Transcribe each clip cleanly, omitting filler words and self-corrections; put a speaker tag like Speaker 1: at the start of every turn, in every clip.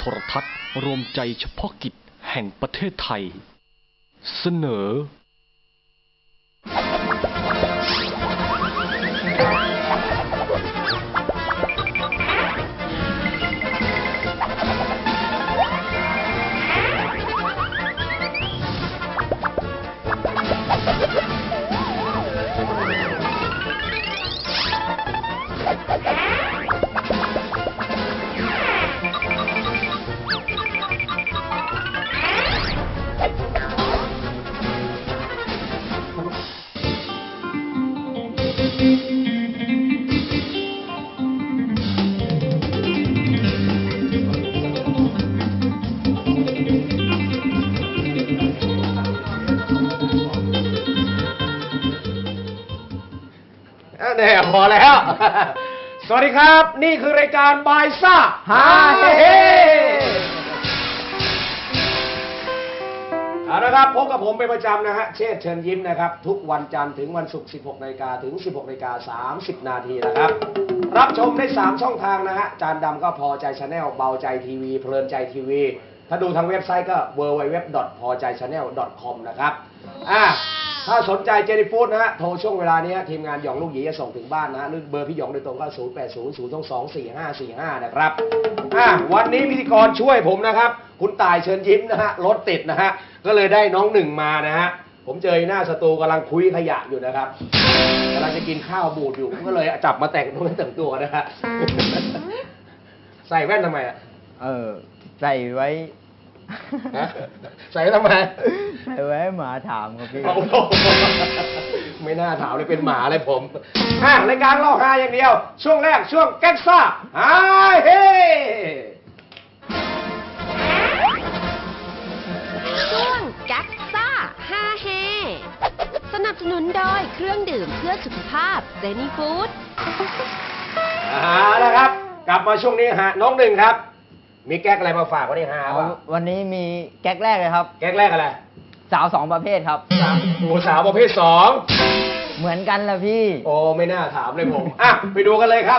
Speaker 1: รทัศน์รวมใจเฉพาะกิจแห่งประเทศไทยเสนอ
Speaker 2: เนี่ยพอแล้วสวัสดีครับนี่คือรายการบายซ่าฮาเฮเอาละครับพบกับผมเป็นประจำนะฮะเชษฐ์เชิญยิ้มนะครับทุกวันจันทร์ถึงวันศุกร์ 16 นาฬิกาถึง 16 นาฬิกา 30 นาทีนะครับรับชมได้ 3 ช่องทางนะฮะจานดำก็พอใจชาแนลเบาใจทีวีเพลินใจทีวีถ้าดูทางเว็บไซต์ก็ www.pojaichannel.com นะครับถ้าสนใจเจนี่ฟู้ดนะฮะโทรช่วงเวลานี้ทีมงานหยองลูกหยีจะส่งถึงบ้านนะฮะหรือเบอร์พี่หยองโดยตรงก็0800224545นะครับวันนี้พิธีกรช่วยผมนะครับคุณต่ายเชิญยิ้มนะฮะรถติดนะฮะก็เลยได้น้องหนึ่งมานะฮะผมเจอหน้าสตูกำลังคุยขยะอยู่นะครับกำลังจะกินข้าวบูดอยู่ผมก็เลยจับมาแต่งตัวนะฮะใส่แว่นทำไม
Speaker 3: ใส่ไว้
Speaker 2: ใส่ทำไม
Speaker 3: ใส่ไว้หมาถามครับพี่
Speaker 2: ไม่น่าถามเลยเป็นหมาเลยผมรายการเล่าฮาอย่างเดียวช่วงแรกช่วงแก๊กซ่าฮาเฮ
Speaker 4: ช่วงแก๊กซ่าฮาเฮสนับสนุนโดยเครื่องดื่มเพื่อสุขภาพเจนี่ฟู้ด
Speaker 2: นะครับกลับมาช่วงนี้ฮะน้องหนึ่งครับมีแก๊กอะไรมาฝากวันนี้ฮะ
Speaker 3: วันนี้มีแก๊กแรกเลยครับ
Speaker 2: แก๊กแรกอะไร
Speaker 3: สาว2ประเภทครับ
Speaker 2: สาวประเภท2
Speaker 3: เหมือนกันละพี่
Speaker 2: โอ้ไม่น่าถามเลยผมไปดูกันเลยครับ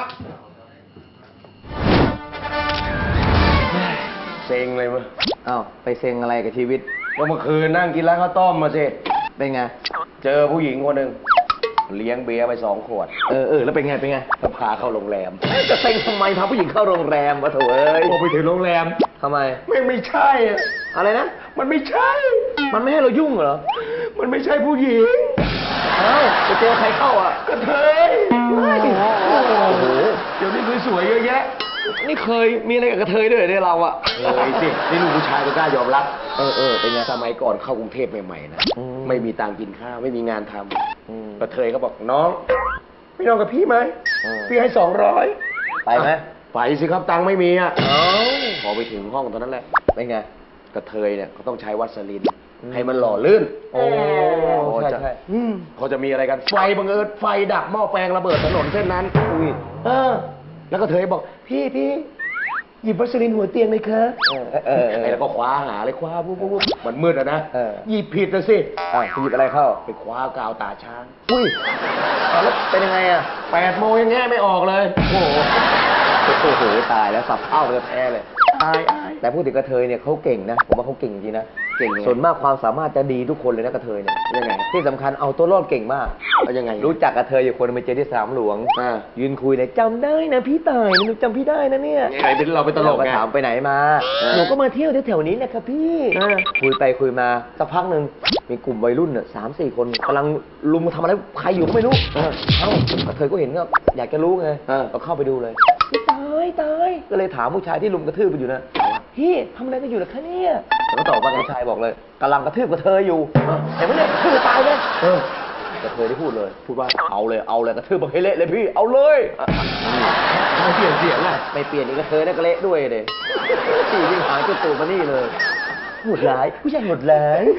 Speaker 2: เซ็งเลยมั้ย
Speaker 3: ไปเซ็งอะไรกับชีวิต
Speaker 2: ก็เมื่อคืนนั่งกินร้านข้าวต้มมาสิ
Speaker 3: เป็นไง
Speaker 2: เจอผู้หญิงคนหนึ่งเลี้ยงเบียร์ไป2 ขวด
Speaker 3: แล้วเป็นไง
Speaker 2: ก็พาเข้าโรงแรม
Speaker 3: จะเซ็งทำไมพาผู้หญิงเข้าโรงแรมวะโถ่
Speaker 2: โอ้ไปถึงโรงแรม
Speaker 3: ทำไม
Speaker 2: ไม่ใช่
Speaker 3: อะไรนะ
Speaker 2: มันไม่ใช่
Speaker 3: มันไม่ให้เรายุ่งเหรอ
Speaker 2: มันไม่ใช่ผู้หญิง
Speaker 3: ไปเจอใครเข้
Speaker 2: ากระเทยโอ้โหเดี๋ยวนี้สวยๆเยอะแยะ
Speaker 3: นี่เคยมีอะไรกับกระเทยด้วยเนี่ยเราอะ
Speaker 2: เลยสินี่ลูกผู้ชายก็กล้ายอมรับเป็นไงสมัยก่อนเข้ากรุงเทพใหม่ๆนะไม่มีตังค์กินข้าวไม่มีงานทำกระเทยเขาบอกน้องไม่นอนกับพี่ไหมพี่ให้200
Speaker 3: ไปไหม
Speaker 2: ไปสิครับตังค์ไม่มีพอไปถึงห้องตอนนั้นแหละ
Speaker 3: เป็นไง
Speaker 2: กระเทยเนี่ยเขาต้องใช้วัสลินให้มันหล่อลื่น
Speaker 3: ใช่
Speaker 2: เขาจะมีอะไรกันไฟบังเอิญไฟดับหม้อแปลงระเบิดถนนเส้นนั้นแล้วก็เธอบอกพี่หยิบวัสลินหัวเตียงเลยคะแล้วก็คว้าหาเลยคว้าปุ๊บมันมืดอะนะหยิบผิดนะสิ
Speaker 3: หยิบอะไรเข้า
Speaker 2: ไปคว้ากาวตาช้าง
Speaker 3: แล้วเป็นยังไงอะ
Speaker 2: 8 โมงยังแง่ไม่ออกเลย
Speaker 3: โอ้โหตายแล้วสับเอ้าเลยแพ้เลยแต่พูดถึงกระเทยเนี่ยเขาเก่งนะผมว่าเขาเก่งจริงนะเก่งส่วนมากความสามารถจะดีทุกคนเลยนะกระเทยเนี่ย
Speaker 2: ยังไง
Speaker 3: ที่สำคัญเอาตัวรอดเก่งมาก
Speaker 2: ยังไง
Speaker 3: รู้จักกระเทยอยู่คนไปเจอที่สนามหลวงยืนคุยเลยจำได้นะพี่ต่ายหนูจำพี่ได้นะเนี่ย
Speaker 2: ใครเป็นเราไปตลกไง
Speaker 3: ถามไปไหนมาหนูก็มาเที่ยวแถวๆนี้นะครับพี่คุยไปคุยมาสักพักหนึ่งมีกลุ่มวัยรุ่นเนี่ย3-4 คนกำลังลุมทำอะไรใครอยู่ก็ไม่รู้กระเทยก็เห็นก็อยากจะรู้ไงก็เข้าไปดูเลยตายก็เลยถามผู้ชายที่ลุมกระทืบกันอยู่นะพี่ทำอะไรกันอยู่ล่ะคะเนี่ยแล้วก็ตอบว่าผู้ชายบอกเลยกำลังกระทืบกระเทยอยู่เห็นไหมเนี่ยกระทืบตายเลยกระเทยได้พูดว่าเอาเลยกระทืบบังเฮเละเลยพี่เอาเลย
Speaker 2: ไม่เปลี่ยนเสียงเลย
Speaker 3: ไม่เปลี่ยนอีกกระเทยได้กระเละด้วยเลยสี่วิ่งหางจุดตูดมานี่เลยหมดร้ายผู้ชายหมดร้าย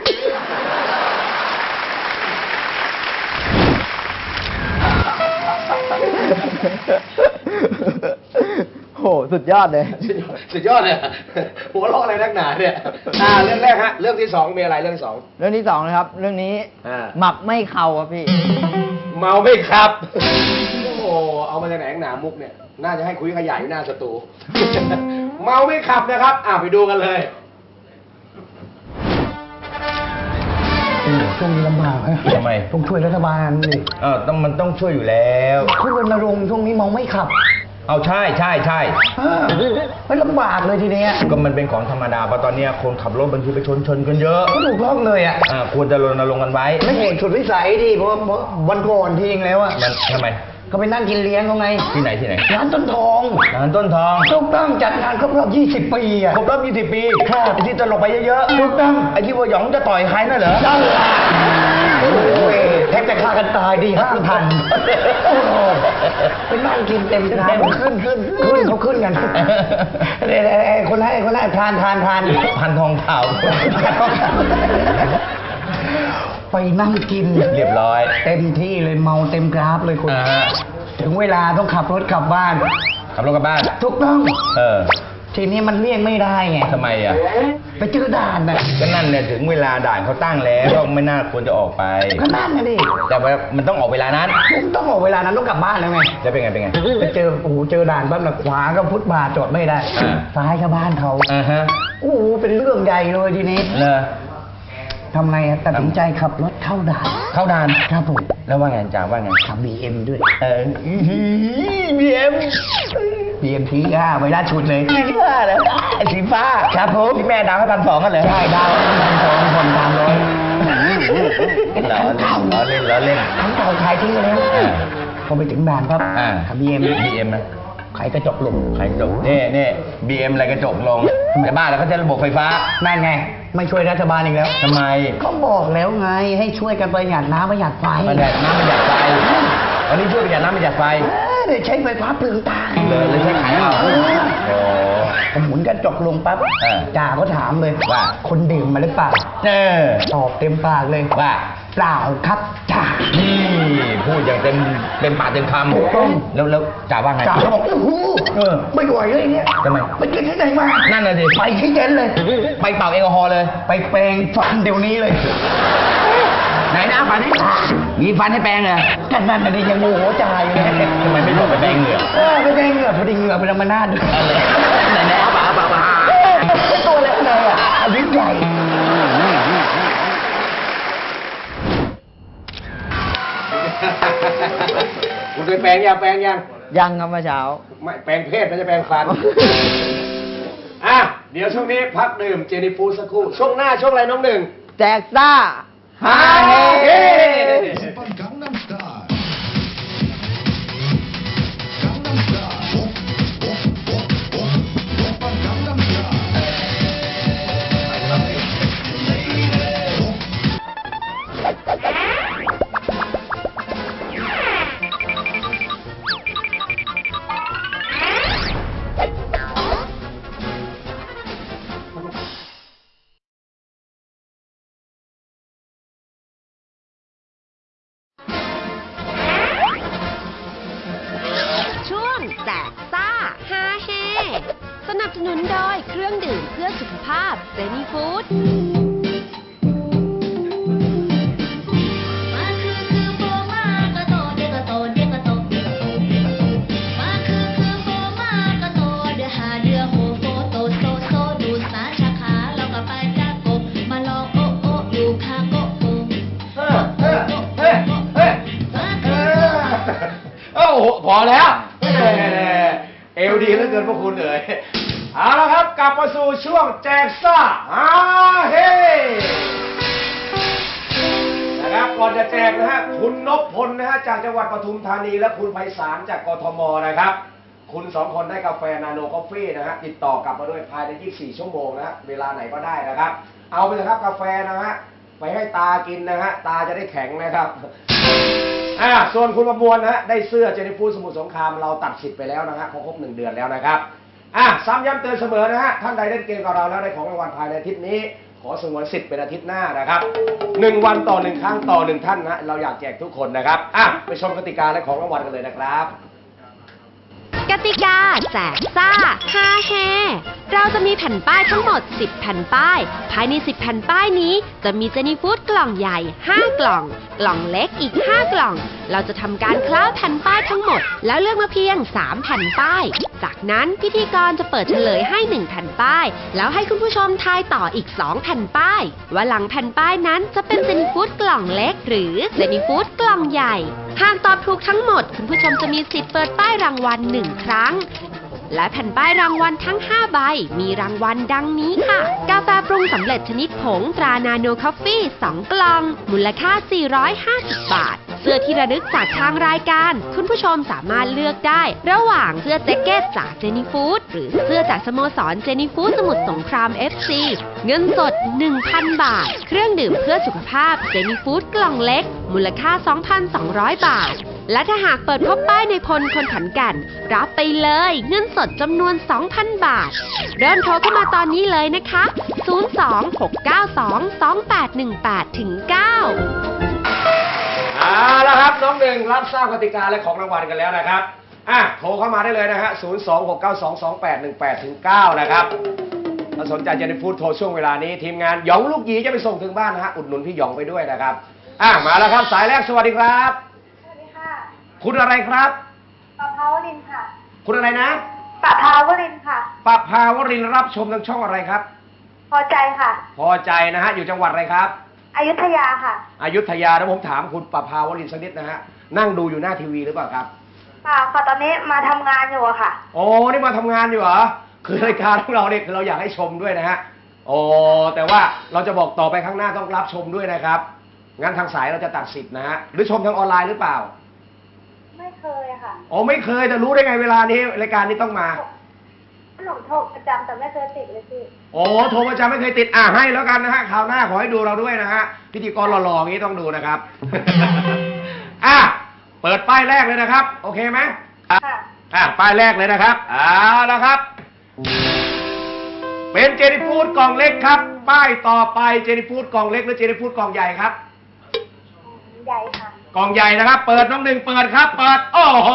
Speaker 3: โหสุดยอดเลย
Speaker 2: สุดยอดเลยหัวเราะอะไรนักหนาเนี่ยเรื่องแรกฮะเรื่องที่2มีอะไรเรื่องที่2
Speaker 3: เรื่องที่2นะครับเรื่องนี้หมับไม่เข่าครับพี่
Speaker 2: เมาไม่ครับโอ้เอามาจากไหนหนามุกเนี่ยน่าจะให้คุยขยายหน้าสตูเมาไม่ขับนะครับไปดูกันเลย
Speaker 5: ช่วงนี้ลำบากฮะ
Speaker 6: ทำไม
Speaker 5: ต้องช่วยรัฐบาลดิ
Speaker 6: มันต้องช่วยอยู่แล้ว
Speaker 5: ช่วยรณรงค์ช่วงนี้เมาไม่ขับ
Speaker 6: เอาใช่
Speaker 5: ไม่ลำบากเลยทีเนี้ย
Speaker 6: ก็มันเป็นของธรรมดาเพราะตอนเนี้ยคนขับรถบางทีไปชนกันเยอะ
Speaker 5: ก็ถูกต้องเลยอ่ะ
Speaker 6: ควรจะรณรงค์กันไว้
Speaker 5: ไม่เห็นสุดวิสัยดิเพราะวันก่อนทีเองแล้วอ่ะ
Speaker 6: มันทำไม
Speaker 5: ก็ไปนั่งกินเลี้ยงเขาไง
Speaker 6: ที่ไหน
Speaker 5: ร้านต้นทอง
Speaker 6: ร้านต้นทอง
Speaker 5: ถูกต้องจัดงานครบรอบ 20 ปีอ่ะ
Speaker 6: ครบรอบ20 ปีไอ้ที่ตลกไปเยอะๆ
Speaker 5: ถูกต้อง
Speaker 6: ไอ้ที่ว่าหยองจะต่อยใครน่ะเหรอ
Speaker 5: นั่นแหละโอ้ยแทบจะฆ่ากันตายดี5,000ไปนั่งกินเต็มร้านขึ้นเขาขึ้นกันคนให้ทาน
Speaker 6: พันทองเผา
Speaker 5: ไปนั่งกิน
Speaker 6: เรียบร้อย
Speaker 5: เต็มที่เลยเมาเต็มกราฟเลยคุณถึงเวลาต้องขับรถกลับบ้าน
Speaker 6: ขับรถกลับบ้าน
Speaker 5: ถูกต้อง
Speaker 6: ที
Speaker 5: ทีนี้มันเลี่ยงไม่ได้ไง
Speaker 6: ทำไมอ่ะ
Speaker 5: ไปเจอด่านน่ะ
Speaker 6: ก็นั่นเนี่ยถึงเวลาด่านเขาตั้งแล้วก็ไม่น่าควรจะออกไป
Speaker 5: ก็นั่นนะดิ
Speaker 6: แต่ว่ามันต้องออกเวลานั้น
Speaker 5: ต้องออกเวลานั้นต้องกลับบ้านแล้วไง
Speaker 6: จะเป็นไง
Speaker 5: ไปเจอเจอด่านปั๊บน่ะขวาก็ฟุตบาทจอดไม่ได้ ซ้ายก็บ้านเขา
Speaker 6: ฮะ
Speaker 5: โอ้โหเป็นเรื่องใหญ่เลยทีนี้
Speaker 6: เลอ
Speaker 5: ทำไงตัดสินใจขับรถเข้าด่าน
Speaker 6: เข้าด่าน
Speaker 5: ครับผม
Speaker 6: แล้วว่าไงจ่าว่าไง
Speaker 5: ขับ BM ด้วย
Speaker 6: BM
Speaker 5: BM ทีไวรัสชุดเลย
Speaker 6: แล้วไอ้สีฟ้า
Speaker 5: ครับผม
Speaker 6: ที่แม่ดาวให้1,200กันเลย
Speaker 5: ใช่ดาว1,200คน300
Speaker 6: ล้อเล่น
Speaker 5: ทั้งเก่าขายทิ้งไปแล้วพอไปถึงด่านครับขับ BM
Speaker 6: นะ
Speaker 5: ขายกระจกลง
Speaker 6: ขายกระจกนี่ BM อะไรกระจกลงแต่บ้านเราก็จะระบบไฟฟ้า
Speaker 5: นั่นไง ไม่ช่วยรัฐบาลอีกแล้ว
Speaker 6: ทำไม
Speaker 5: ก็บอกแล้วไงให้ช่วยกันประหยัดน้ำประหยัดไฟ
Speaker 6: ประหยัดน้ำประหยัดไฟวันนี้ช่วยประหยัดน้ำประหยัดไฟ
Speaker 5: เดี๋ยวใช้ไฟฟ้าเปลืองตา
Speaker 6: เลยใช้ขายเอาโอ้
Speaker 5: ผมหมุนกระจกลงปั๊บจ่าก็ถามเลย
Speaker 6: ว่า
Speaker 5: คนดื่มมาหรือเปล่าตอบเต็มปากเลย
Speaker 6: ว่า
Speaker 5: เปล่าครับจ่า
Speaker 6: นี่พูดอย่างเต็มปากเต็มคำ
Speaker 5: ถูกต้อง
Speaker 6: แล้วจ่าว่าไง
Speaker 5: จ่าก็บอกโอ้โหไม่ไหวเลยเนี่ย
Speaker 6: ทำไม
Speaker 5: ไปกินที่ไหนมา
Speaker 6: นั่นน่ะสิ
Speaker 5: ไปที่เย็นเลย
Speaker 6: ไปเป่าแอลกอฮอล์เลย
Speaker 5: ไปแปรงฟันเดี๋ยวนี้เลย
Speaker 6: ไหนนะฟันให้มีฟันให้แปรงเหรอ
Speaker 5: กันนั่นน่ะดิยังโมโหจ่าอยู่เลย
Speaker 6: ทำไมไม่ลงไปแปรงเหงื่อ
Speaker 5: ไม่แปรงเหงื่อพอดีเหงื่อเป็นธรรมนาด้วย
Speaker 6: ไหนเอาเปล่า
Speaker 5: ตัวเล็กเลยอ่ะอายุใหญ่
Speaker 2: คุณเคยแปลงยัง
Speaker 3: ยังครับเมื่อเช้า
Speaker 2: ไม่แปลงเพศไม่ใช่แปลงฟัน เดี๋ยวช่วงนี้พักดื่มเจนี่ฟูดสักครู่ ช่วงหน้าช่วงอะไรน้องหนึ่ง
Speaker 3: แจกซ่าฮาเฮ
Speaker 7: Gangnam Style. Gangnam Style. Gangnam Style.
Speaker 4: ช่วงแจกซ่าฮาเฮสนับสนุนโดยเครื่องดื่มเพื่อสุขภาพเซนีฟู้ด
Speaker 8: มาคือโบมากระโตเด็กกระโตเด็กกระโตเด็กกระโตเด็กกระโตมาคือโบมากระโตเดือหาเดือโหโฟโตโซโซดูสาชาขาเราก็ไปจากกบมาลองโอโออยู่คาโกโก
Speaker 2: โอ้โหพอแล้วเอวดีเหลือเกินพวกคุณเอ๋ยเอาละครับกลับมาสู่ช่วงแจกซ่าเฮนะครับก่อนจะแจกนะฮะคุณนพพลนะฮะจากจังหวัดปทุมธานีและคุณไพศาลจากกทมนะครับคุณสองคนได้กาแฟนาโนกาแฟนะฮะติดต่อกลับมาด้วยภายใน24 ชั่วโมงนะฮะเวลาไหนก็ได้นะครับเอาไปเลยครับกาแฟนะฮะไปให้ตากินนะฮะตาจะได้แข็งนะครับส่วนคุณประมวลนะฮะได้เสื้อเจนิฟูดสมุทรสงครามเราตัดสิทธิ์ไปแล้วนะฮะครบ1 เดือนแล้วนะครับซ้ำย้ำเตือนเสมอนะฮะท่านใดเล่นเกมกับเราแล้วได้ของรางวัลภายในอาทิตย์นี้ขอสงวนสิทธิ์เป็นอาทิตย์หน้านะครับ1 วันต่อ1 ครั้งต่อ1 ท่านนะเราอยากแจกทุกคนนะครับไปชมกติกาและของรางวัลกันเลยนะครับ
Speaker 4: กติกาแจกซ่าฮาเฮเราจะจะมีแผ่นป้ายทั้งหมด 10 แผ่นป้าย ภายใน 10 แผ่นป้ายนี้จะมีเจนี่ฟู้ดกล่องใหญ่ 5 กล่อง กล่องเล็กอีก 5 กล่อง เราจะทำการคล้าแผ่นป้ายทั้งหมด แล้วเลือกมาเพียง 3 แผ่นป้าย จากนั้นพิธีกรจะเปิดเฉลยให้ 1 แผ่นป้าย แล้วให้คุณผู้ชมทายต่ออีก 2 แผ่นป้าย ว่าหลังแผ่นป้ายนั้นจะเป็นเจนี่ฟู้ดกล่องเล็ก หรือเจนี่ฟู้ดกล่องใหญ่ หากตอบถูกทั้งหมดคุณผู้ชมจะมีสิทธิ์เปิดป้ายรางวัล1 ครั้ง และแผ่นป้ายรางวัลทั้ง 5 ใบ มีรางวัลดังนี้ค่ะ กาแฟปรุงสำเร็จชนิดผงตรานาโนคอฟฟี่2 กล่อง มูลค่า 450 บาท เสื้อที่ระลึกจากทางรายการ คุณผู้ชมสามารถเลือกได้ ระหว่างเสื้อแจ็คเก็ตจากเจนี่ฟู้ดหรือเสื้อจากสโมสรเจนี่ฟู้ดสมุทรสงคราม FC เงินสด 1,000 บาท เครื่องดื่มเพื่อสุขภาพเจนี่ฟู้ดกล่องเล็ก มูลค่า 2,200 บาท และถ้าหากเปิดพบป้ายในพลคนขอนแก่นรับไปเลยเงินสดจำนวน 2,000 บาท เริ่มโทรเข้ามาตอนนี้เลยนะคะ 026922818-9
Speaker 2: เอาละครับน้องหนึ่งรับทราบกติกาและของรางวัลกันแล้วนะครับโทรเข้ามาได้เลยนะฮะ 026922818-9 นะครับถ้าสนใจจะได้พูดโทรช่วงเวลานี้ทีมงานหยองลูกหยีจะไปส่งถึงบ้านนะฮะอุดหนุนพี่หยองไปด้วยนะครับมาแล้วครับสายแรกสวัสดีครับ
Speaker 9: สวัสดีค่ะ
Speaker 2: คุณอะไรครับ
Speaker 9: ปะภาวรินทร์ค่ะ
Speaker 2: คุณอะไรนะ
Speaker 9: ปะภาวรินทร์ค่ะ
Speaker 2: ปภาวรินทร์รับชมทางช่องอะไรครับ
Speaker 9: พอใจค่ะ
Speaker 2: พอใจนะฮะอยู่จังหวัดอะไรครับ
Speaker 9: อยุธยาค่ะ
Speaker 2: อยุธยาแล้วผมถามคุณปภาวรินทร์สักนิดนะฮะนั่งดูอยู่หน้าทีวีหรือเปล่าครับ
Speaker 9: ค่ะตอนนี้มาทำงานอยู่อะค่ะ
Speaker 2: โอ้นี่มาทำงานอยู่เหรอคือรายการของเราเนี่ยคือเราอยากให้ชมด้วยนะฮะโอ้แต่ว่าเราจะบอกต่อไปข้างหน้าต้องรับชมด้วยนะครับงั้นทางสายเราจะตัดสิทธิ์นะฮะหรือชมทางออนไลน์หรือเปล่า
Speaker 9: ไม่เคยอะค่ะ
Speaker 2: โอ้ไม่เคยแต่รู้ได้ไงเวลานี้รายการนี้ต้องมา
Speaker 9: หนูโทรประจำแต่ไม่เคยติดเลยพี่
Speaker 2: โอ้โทรประจำไม่เคยติดให้แล้วกันนะฮะคราวหน้าขอให้ดูเราด้วยนะฮะพิธีกรหล่อๆอย่างนี้ต้องดูนะครับ เปิดป้ายแรกเลยนะครับโอเคไหม
Speaker 9: ค่ะ
Speaker 2: ป้ายแรกเลยนะครับเอาละครับเป็นเจนี่ฟู้ดกล่องเล็กครับป้ายต่อไปเจนี่ฟู้ดกล่องเล็กหรือเจนี่ฟู้ดกล่องใหญ่ครับ
Speaker 9: ใหญ่ค่ะ
Speaker 2: กล่องใหญ่นะครับเปิดน้องหนึ่งเปิดครับเปิดโอ้โห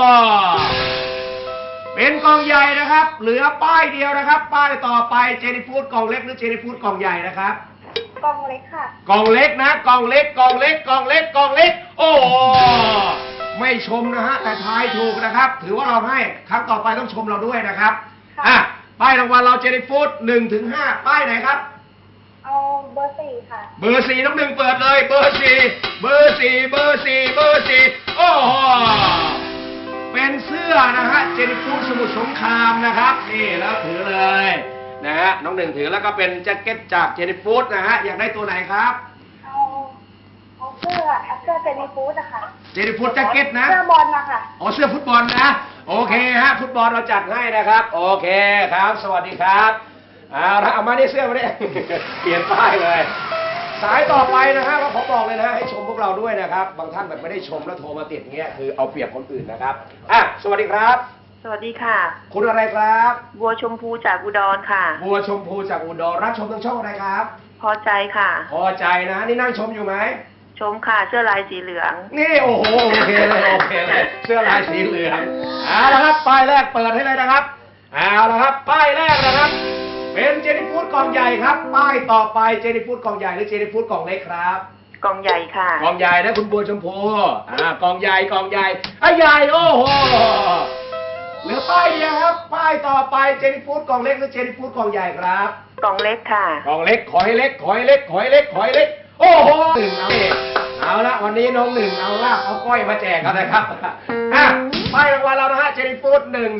Speaker 2: เป็นกล่องใหญ่นะครับเหลือป้ายเดียวนะครับป้ายต่อไปเจนี่ฟู้ดกล่องเล็กหรือเจนี่ฟู้ดกล่องใหญ่นะครับ
Speaker 9: กล่องเล็กค่ะ
Speaker 2: กล่องเล็กนะกล่องเล็กกล่องเล็กกล่องเล็กกล่องเล็กโอ้โหไม่ชมนะฮะแต่ทายถูกนะครับถือว่าเราให้ครั้งต่อไปต้องชมเราด้วยนะครับป้ายรางวัลเราเจนี่ฟู้ด1-5ป้ายไหนครับ
Speaker 9: เอาเบอร์ 4 ค่ะ
Speaker 2: เบอร์ 4น้องหนึ่งเปิดเลยเบอร์ 4เบอร์ 4เบอร์ 4เบอร์ 4โอ้โหเป็นเสื้อนะฮะเจนี่ฟู้ดสมุทรสงครามนะครับนี่แล้วถือเลยนะฮะน้องหนึ่งถือแล้วก็เป็นแจ็คเก็ตจากเจนี่ฟู้ดนะฮะอยากได้ตัวไหนครับ
Speaker 9: เอาเสื้อเจนี่ฟู้ดอะค่ะ
Speaker 2: เจนี่ฟู้ดแจ็คเก็ตนะ
Speaker 9: เสื้อบอลนะคะ
Speaker 2: อ๋อเสื้อฟุตบอลนะโอเคฮะฟุตบอลเราจัดให้นะครับโอเคครับสวัสดีครับเอามาได้เสื้อมาได้ เปลี่ยนป้ายเลย สายต่อไปนะฮะก็ขอบอกเลยนะฮะให้ชมพวกเราด้วยนะครับบางท่านแบบไม่ได้ชมแล้วโทรมาติดเงี้ยคือเอาเปรียบคนอื่นนะครับสวัสดีครับ
Speaker 10: สวัสดีค่ะ
Speaker 2: คุณอะไรครับ
Speaker 10: บัวชมพูจากอุดรค่ะ
Speaker 2: บัวชมพูจากอุดรรับชมทางช่องอะไรครับ
Speaker 10: พอใจค่ะ
Speaker 2: พอใจนะนี่นั่งชมอยู่ไหม
Speaker 10: ชมค่ะเสื้อลายสีเหลือง
Speaker 2: นี่โอ้โหโอเคเลยโอเคเลยเสื้อลายสีเหลืองเอาละครับป้ายแรกเปิดให้เลยนะครับเอาละครับป้ายแรกนะครับเป็นเจนี่ฟู้ดกล่องใหญ่ครับป้ายต่อไปเจนี่ฟู้ดกล่องใหญ่หรือเจนี่ฟู้ดกล่องเล็กครับ
Speaker 10: กล่องใหญ่ค่ะ
Speaker 2: กล่องใหญ่นะคุณบัวชมพูกล่องใหญ่กล่องใหญ่ใหญ่โอ้โหเหลือป้ายเดียวครับป้ายต่อไปเจนี่ฟู้ดกล่องเล็กหรือเจนี่ฟู้ดกล่องใหญ่ครับ
Speaker 10: กล่องเล็กค่ะ
Speaker 2: กล่องเล็กขอให้เล็กขอให้เล็กขอให้เล็กขอให้เล็กโอ้โหหนึ่งเอาละวันนี้น้องหนึ่งเอาลาบเอาก้อยมาแจกกันนะครับป้ายรางวัลเรานะฮะเจนี่ฟู้ด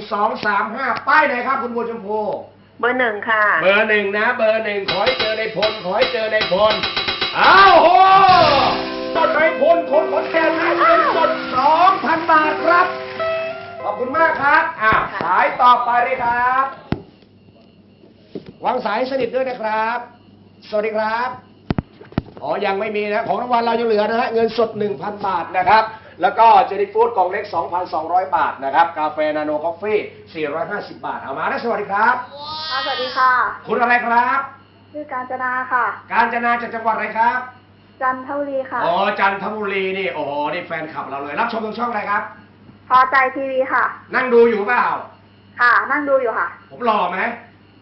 Speaker 2: 1-2-3-5ป้ายไหนครับคุณบัวชมพู
Speaker 10: เบอร์ 1ค่ะ
Speaker 2: เบอร์ 1นะเบอร์ 1ขอให้เจอในพลขอให้เจอในพลอ้าวโหต้นในพลคนขอนแก่นให้เงินสด 2,000 บาทครับขอบคุณมากครับสายต่อไปเลยครับวางสายสนิทด้วยนะครับ สวัสดีครับยังไม่มีนะของรางวัลเรายังเหลือนะฮะเงินสด 1,000 บาทนะครับแล้วก็เจนี่ฟู้ดกล่องเล็ก 2,200 บาทนะครับกาแฟนาโนคอฟฟี่450 บาทเอามานะสวัสดีครับ
Speaker 9: สวัสดีค่ะ
Speaker 2: คุณอะไรครับ
Speaker 9: ชื่อกาญจนาค่ะ
Speaker 2: กาญจนาจากจังหวัดอะไรครับ
Speaker 9: จันทบุรีค่ะ
Speaker 2: จันทบุรีนี่โอ้โหนี่แฟนคลับเราเลยรับชมทางช่องอะไรครับ
Speaker 9: พอใจทีวีค่ะ
Speaker 2: นั่งดูอยู่เปล่า
Speaker 9: ค่ะนั่งดูอยู่ค่ะ
Speaker 2: ผมหล่อไหม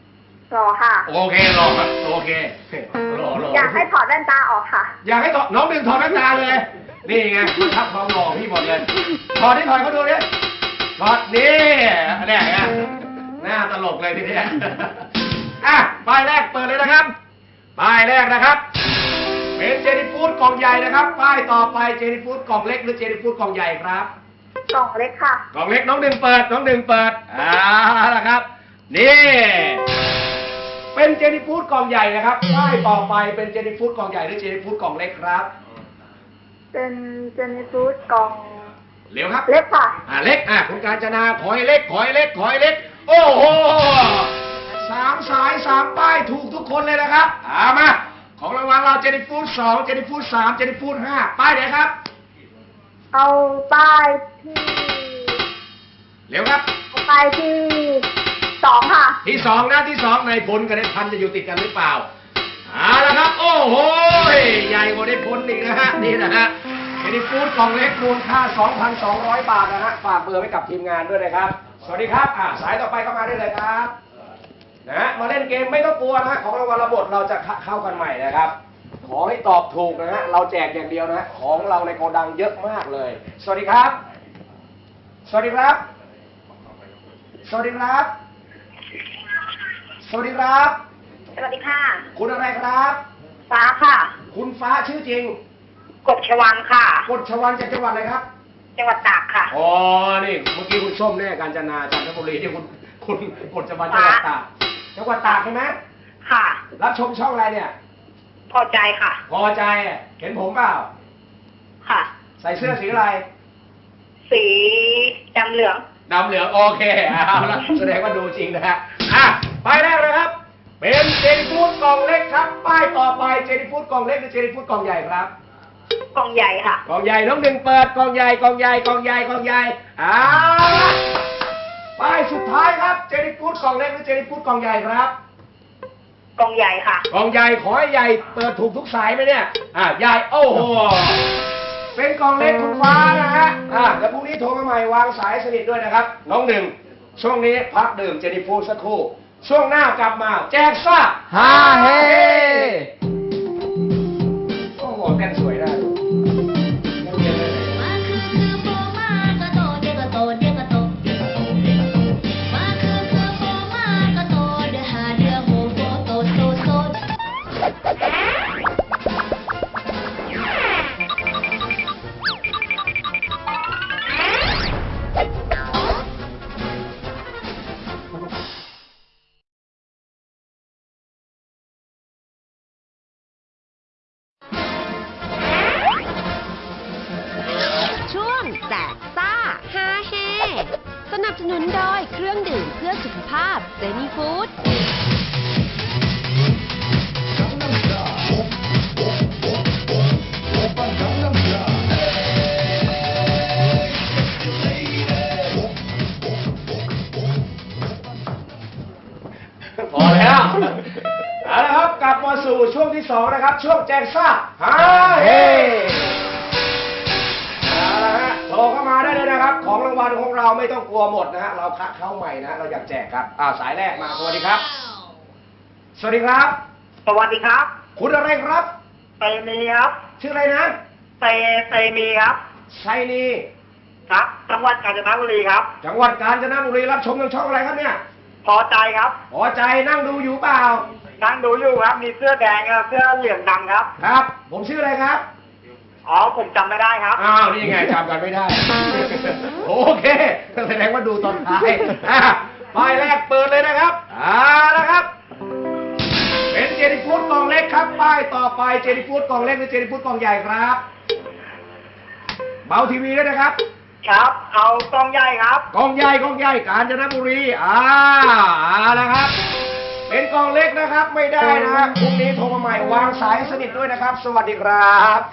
Speaker 9: รอค่ะ
Speaker 2: โอเครอโอเครอ
Speaker 9: อยากให้ถอดแว่นตาออกค่ะ
Speaker 2: อยากให้น้องหนึ่งถอดแว่นตาเลย นี่ไงทับความหล่อพี่หมดเลยถอดที่ถอดเขาดูดิถอดนี่เนี่ยไงหน้าตลกเลยทีเนี้ยอ่ะป้ายแรกเปิดเลยนะครับป้ายแรกนะครับเป็นเจนี่ฟู้ดกล่องใหญ่นะครับป้ายต่อไปเจนี่ฟู้ดกล่องเล็กหรือเจนี่ฟู้ดกล่องใหญ่ครับ
Speaker 9: กล่องเล็กค่ะ
Speaker 2: กล่องเล็กน้องหนึ่งเปิดน้องหนึ่งเปิดละครับนี่เป็นเจนี่ฟู้ดกล่องใหญ่นะครับป้ายต่อไปเป็นเจนี่ฟู้ดกล่องใหญ่หรือเจนี่ฟู้ดกล่องเล็กครับ
Speaker 9: เป็นเจนี่ฟู้ดกล่อง
Speaker 2: เร็วครับ
Speaker 9: เล็กค่ะ
Speaker 2: เล็กคุณกาญจนาขอให้เล็กขอให้เล็กขอให้เล็กโอ้โห3 สาย 3 ป้ายถูกทุกคนเลยนะครับมาของรางวัลเราเจนี่ฟู้ด2เจนี่ฟู้ด3เจนี่ฟู้ด5ป้ายไหนครับ
Speaker 9: เอาป้ายที่
Speaker 2: เร็วครับ
Speaker 9: เอาป้ายที่2ค่ะ
Speaker 2: ที่2นะที่2ในพลกับในพันจะอยู่ติดกันหรือเปล่าละครับโอ้โหใหญ่กว่าในพลอีกนะฮะนี่นะฮะเจนี่ฟู้ดกล่องเล็กมูลค่า 2,200 บาทนะฮะฝากเบอร์ไว้กับทีมงานด้วยนะครับสวัสดีครับสายต่อไปเข้ามาได้เลยครับนะมาเล่นเกมไม่ต้องกลัวนะฮะของรางวัลระบบเราจะเข้ากันใหม่นะครับขอให้ตอบถูกนะฮะเราแจกอย่างเดียวนะฮะของเราในโกดังเยอะมากเลยสวัสดีครับสวัสดีครับสวัสดีครับสวัสดีครับ
Speaker 9: สวัสดีค่ะ
Speaker 2: คุณอะไรครับ
Speaker 9: ฟ้าค่ะ
Speaker 2: คุณฟ้าชื่อจริง
Speaker 9: กบชวันค่ะ
Speaker 2: กฎชวันจากจังหวัดอะไรครับ
Speaker 9: จังหวัดตากค่ะ
Speaker 2: อ๋อนี่เมื่อกี้คุณส้มแน่กาญจนาจันทบุรีที่คุณกฎชวันจังหวัดตากจังหวัดตากใช่ไหม
Speaker 9: ค่ะ
Speaker 2: รับชมช่องอะไรเนี่ย
Speaker 9: พอใจค่ะ
Speaker 2: พอใจเห็นผมเปล่า
Speaker 9: ค่ะ
Speaker 2: ใส่เสื้อสีอะไร
Speaker 9: สีดำเหลือง
Speaker 2: ดำเหลืองโอเคเอาละแสดงว่าดูจริงนะฮะป้ายแรกนะครับ เป็นเจนี่ฟู้ดกล่องเล็กครับป้ายต่อไปเจนี่ฟู้ดกล่องเล็กหรือเจนี่ฟู้ดกล่องใหญ่ครับ
Speaker 9: กล่องใหญ่ค่ะ
Speaker 2: กล่องใหญ่น้องหนึ่งเปิดกล่องใหญ่กล่องใหญ่กล่องใหญ่กล่องใหญ่ละป้ายสุดท้ายครับเจนี่ฟู้ดกล่องเล็กหรือเจนี่ฟู้ดกล่องใหญ่ครับ
Speaker 9: กล่องใหญ่ค่ะ
Speaker 2: กล่องใหญ่ขอให้ใหญ่เปิดถูกทุกสายไหมเนี่ยใหญ่โอ้โหเป็นกล่องเล็กคุณฟ้านะฮะเดี๋ยวพรุ่งนี้โทรมาใหม่วางสายสนิทด้วยนะครับน้องหนึ่งช่วงนี้พักดื่มเจนี่ฟู้ดสักครู่ช่วงหน้ากลับมาแจกซ่า
Speaker 3: ฮาเฮ
Speaker 2: โอ้โหเต้นสวยได้นักเรียนเลย
Speaker 8: มาคือโฟมากระโตเดกระโตเดกระโตเดกระโตเดกระโตมาคือโฟมากระโตเดหาเดือโฮโฟโตโซโซ
Speaker 4: ช่วงแจกซ่าฮาเฮสนับสนุนโดยเครื่องดื่มเพื่อสุขภาพเจนี่ฟู้ด
Speaker 2: พอแล้วเอาละครับกลับมาสู่ช่วงที่2นะครับช่วงแจกซ่าฮาเฮเอาละฮะโทรเข้ามาได้เลยนะครับของรางวัลของเราไม่ต้องกลัวหมดนะฮะเราเข้าใหม่นะเราอยากแจกครับสายแรกมาสวัสดีครับ สวัสดีครับ
Speaker 9: สวัสดีครับ
Speaker 2: คุณอะไรครับ
Speaker 9: ไซมีครับ
Speaker 2: ชื่ออะไรนะ
Speaker 9: ไซมีครับ
Speaker 2: ไซนี
Speaker 9: ครับ จังหวัดกาญจนบุรีครับ
Speaker 2: จังหวัดกาญจนบุรีรับชมทางช่องอะไรครับเนี่ย
Speaker 9: พอใจครับ
Speaker 2: พอใจนั่งดูอยู่เปล่า
Speaker 9: นั่งดูอยู่ครับ มีเสื้อแดงกับเสื้อเหลืองดำครับ
Speaker 2: ครับ ผมชื่ออะไรครับ
Speaker 9: อ๋อ ผมจำไม่ได้ครับ
Speaker 2: อ้าวนี่ไงจำกันไม่ได้ โอเคแสดงว่าดูตอนท้ายป้ายแรกเปิดเลยนะครับนะครับ เป็นเจนี่ฟู้ดกล่องเล็กครับป้ายต่อไปเจนี่ฟู้ดกล่องเล็กหรือเจนี่ฟู้ดกล่องใหญ่ครับเบาทีวีด้วยนะครับ
Speaker 9: ครับ เอากล่องใหญ่ครับ
Speaker 2: กล่องใหญ่กาญจนบุรีแล้วครับ เป็นกล่องเล็กนะครับไม่ได้นะครับพรุ่งนี้โทรมาใหม่วางสายสนิทด้วยนะครับ สวัสดีครับ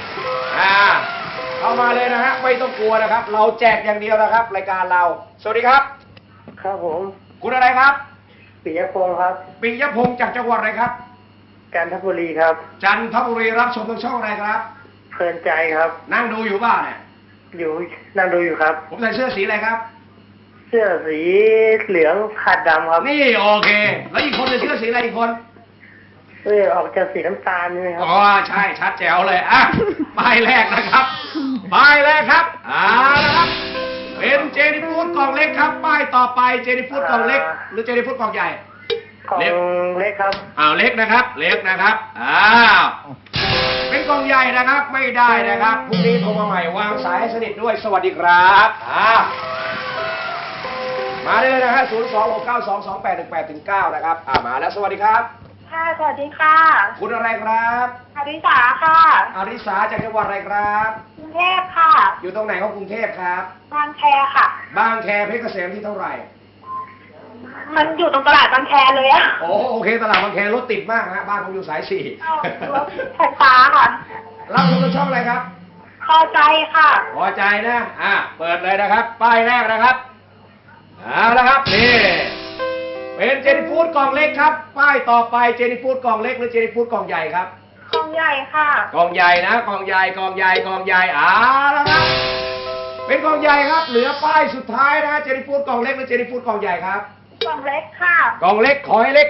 Speaker 2: เข้ามาเลยนะฮะไม่ต้องกลัวนะครับ เราแจกอย่างเดียวนะครับรายการเราสวัสดีครับ
Speaker 9: ครับผม
Speaker 2: คุณอะไรครับ
Speaker 9: ปิยพงศ์ครับ
Speaker 2: ปิยพงศ์จากจังหวัดอะไรครับ
Speaker 9: กาญจนบุรีครับ
Speaker 2: จันทบุรีรับชมทางช่องอะไรครับ
Speaker 9: เพลินใจครับ
Speaker 2: นั่งดูอยู่บ้านเนี่ย
Speaker 9: อยู่นั่งดูอยู่ครับ
Speaker 2: ผมใส่เสื้อสีอะไรครับ
Speaker 9: ส
Speaker 10: สื้อสีเหลืองขาดดำครับ
Speaker 2: นี่โอเค แล้วอีกคนจะเชื่อสีอะไรอีกคน
Speaker 10: ออกจากสีน้ำตาลนี่ครับ
Speaker 2: อ๋อใช่ชัดแจ๋วเลยอ่ะป้ายแรกนะครับป้ายแรกครับละครับเป็นเจนี่ฟูดกล่องเล็กครับป้ายต่อไปเจนี่ฟูดกล่องเล็ก หรือเจนี่ฟูดกล่องใหญ่
Speaker 10: กล่องเล็กครับ
Speaker 2: เล็กนะครับเล็กนะครับเป็นกล่องใหญ่นะครับไม่ได้นะครับพรุ่งนี้โทรมาใหม่วางสายให้สนิทด้วยสวัสดีครับมาได้เลยนะฮะ026922818-9นะครับมาแล้วสวัสดีครับ
Speaker 9: ค่ะสวัสดีค่ะ
Speaker 2: คุณอะไรครับ
Speaker 9: อริสาค่ะ
Speaker 2: อาริสาจากจังหวัดอะไรครับ
Speaker 9: กรุงเทพค่ะ
Speaker 2: อยู่ตรงไหนของกรุงเทพครับ
Speaker 9: บางแคค่ะ
Speaker 2: บางแคเพชรเกษมที่เท่าไหร่
Speaker 9: มันอยู่ตรงตลาดบางแคเลยอะ
Speaker 2: โอเคตลาดบางแครถติดมากนะบ้านผมอยู่สาย
Speaker 9: รถไฟฟ้าค่ะ
Speaker 2: 4รับชมทางช่องอะไรครับ
Speaker 9: พอใจค่ะ
Speaker 2: พอใจนะเปิดเลยนะครับป้ายแรกนะครับแล้วครับนี่เป็นเจนี่ฟูดกล่องเล็กครับป้ายต่อไปเจนี่ฟูดกล่องเล็กหรือเจนี่ฟูดกล่องใหญ่ครับ
Speaker 9: กองใหญ่ค่ะ
Speaker 2: กล่องใหญ่นะกล่องใหญ่แล้วครับเป็นกล่องใหญ่ครับเหลือป้ายสุดท้ายนะเจนี่ฟูดกล่องเล็กหรือเจนี่ฟูดกล่องใหญ่ครับ
Speaker 9: กองเล็กค่ะ
Speaker 2: กล่องเล็กขอให้เล็ก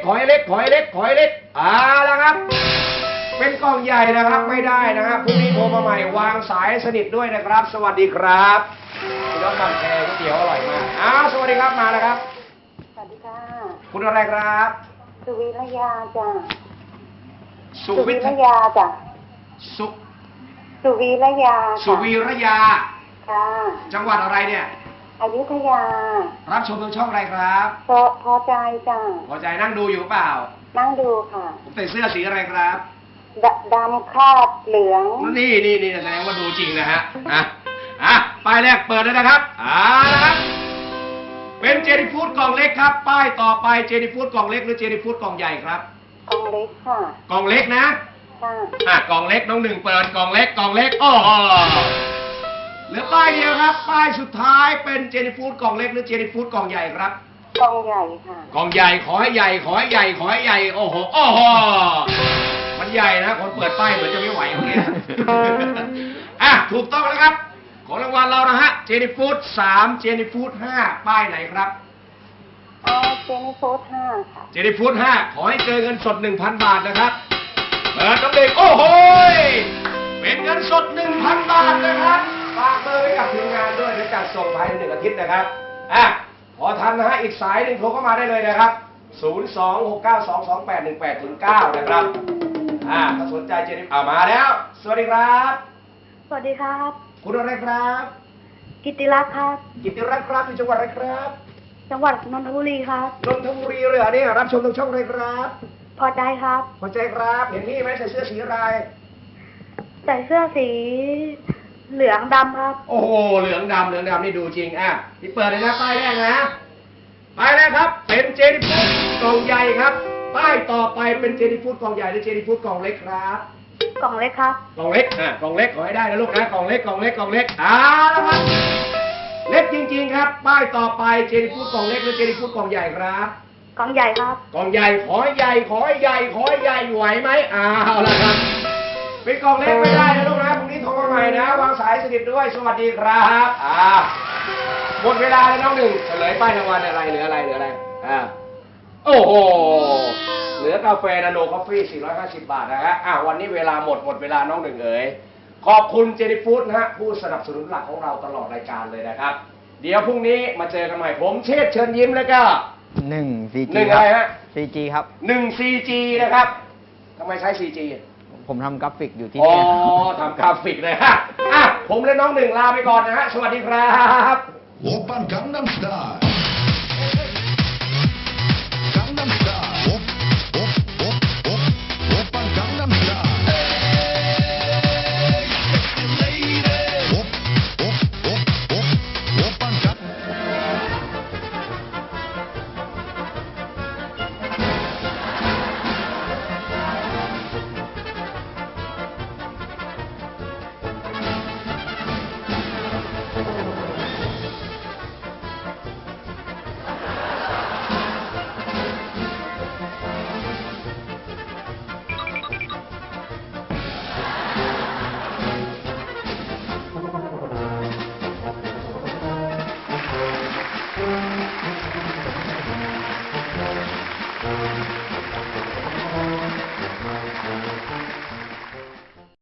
Speaker 2: แล้วครับเป็นกล่องใหญ่นะครับไม่ได้นะครับพรุ่งนี้โทรมาใหม่วางสายสนิทด้วยนะครับ สวัสดีครับคุณน้องบางแคก๋วยเตี๋ยวอร่อยมากสวัสดีครับมาแล้วครับ
Speaker 9: สวัสดีค่ะ
Speaker 2: คุณอะไรครับ
Speaker 9: สุวิรยาจ้ะ
Speaker 2: สุวิท
Speaker 9: ยาจ้ะ
Speaker 2: สุ
Speaker 9: สุวิรยา
Speaker 2: สุวีรยา
Speaker 9: ค่ะ
Speaker 2: จังหวัดอะไรเนี่ย
Speaker 9: อยุธยา
Speaker 2: รับชมทางช่องอะไรครับ
Speaker 9: พอใจจ้ะ
Speaker 2: พอใจนั่งดูอยู่เปล่า
Speaker 9: นั่งดูค่ะ
Speaker 2: ผมใส่เสื้อสีอะไรครับ
Speaker 9: ดำคาดเหลือง
Speaker 2: นี่แสดงว่าดูจริงนะฮะป้ายแรกเปิดเลยนะครับนะครับเป็นเจนี่ฟูดกล่องเล็กครับป้ายต่อไปเจนี่ฟูดกล่องเล็กหรือเจนี่ฟูดกล่องใหญ่ครับ
Speaker 9: กองเล็กค่ะ
Speaker 2: กล่องเล็กนะ
Speaker 9: ค่ะ
Speaker 2: กล่องเล็กน้องหนึ่งเปิดกล่องเล็กโอ้โหเหลือป้ายเดียวครับป้ายสุดท้ายเป็นเจนี่ฟูดกล่องเล็กหรือเจนี่ฟูดกล่องใหญ่ครับ
Speaker 9: กองใหญ่ค่ะ
Speaker 2: กล่องใหญ่ขอให้ใหญ่โอ้โหมันใหญ่นะคนเปิดป้ายเหมือนจะไม่ไหวเมื่อกี้ ถูกต้องแล้วครับของรางวัลเรานะฮะเจนี่ฟูด3เจนี่ฟูด5ป้ายไหนครับ
Speaker 9: เจนี่ฟูด5ค่ะ
Speaker 2: เจนี่ฟูด5ขอให้เจอเงินสด 1,000 บาทนะครับเปิดน้ำเด็กโอ้โหเป็นเงินสด 1,000 บาทนะครับฝากเบอร์ไว้กับทีมงานด้วยเดี๋ยวจัดส่งภายใน1 อาทิตย์นะครับพอทันนะฮะอีกสายหนึ่งโทรเข้ามาได้เลยนะครับ026922818-9นะครับถ้าสนใจเจนี่มาแล้วสวัสดีครับ
Speaker 9: สวัสดีครับ
Speaker 2: คุณอะไรครับ
Speaker 9: กิติรักษ์ครับ
Speaker 2: กิติรัตน์ครับอยู่จังหวัดอะไรครับ
Speaker 9: จังหวัดนนทบุรีครับ
Speaker 2: นนทบุรีเลยเนี่ยรับชมทางช่องอะไรครับ
Speaker 9: พอใจครับ
Speaker 2: พอใจครับเห็นนี่ไหมใส่เสื้อสีอะไร
Speaker 9: ใส่เสื้อสีเหลืองดำครับ
Speaker 2: โอ้โหเหลืองดำนี่ดูจริงที่เปิดเลยนะป้ายแรกนะป้ายแรกครับเป็นเจนี่ฟูดกล่องใหญ่ครับป้ายต่อไปเป็นเจนี่ฟูดกล่องใหญ่หรือเจนี่ฟูดกล่องเล็กครับ
Speaker 9: กล่องเล็กครับ
Speaker 2: กล่องเล็กกล่องเล็กขอให้ได้นะลูกนะกล่องเล็กแล้วครับเล็กจริงๆครับป้ายต่อไปเจนี่ฟูดกล่องเล็กหรือเจนี่ฟูดกล่องใหญ่ครับ
Speaker 9: กล่องใหญ่ครับ
Speaker 2: กล่องใหญ่ขอให้ใหญ่ไหวไหมละครับเป็นกล่องเล็กไม่ได้นะลูกนะพรุ่งนี้โทรมาใหม่นะวางสายสนิทด้วยสวัสดีครับหมดเวลาแล้วน้องหนึ่งเฉลยป้ายรางวัลอะไรเหลืออะไรโอ้โหเหลือกาแฟนาโนคอฟฟี่450 บาทนะฮะวันนี้เวลาหมดเวลาน้องหนึ่งเอ๋ยขอบคุณเจนี่ฟูดนะฮะผู้สนับสนุนหลักของเราตลอดรายการเลยนะครับเดี๋ยวพรุ่งนี้มาเจอกันใหม่ผมเชษฐ์เชิญยิ้มแล้วก็
Speaker 5: 1 4G
Speaker 2: 1อะไรฮะ
Speaker 5: 4G ครับ
Speaker 2: 1 4G นะครับทำไมใช้ 4G
Speaker 5: ผมทำกราฟิกอยู่ที่
Speaker 2: อ๋อ
Speaker 5: นี่
Speaker 2: ทำกราฟิกเลยฮะผมและน้องหนึ่งลาไปก่อนนะฮะสวัสดีครับ
Speaker 7: 오빤 강남스타일 강남스타일 오빤 강남스타일 Sexy lady 오빤 강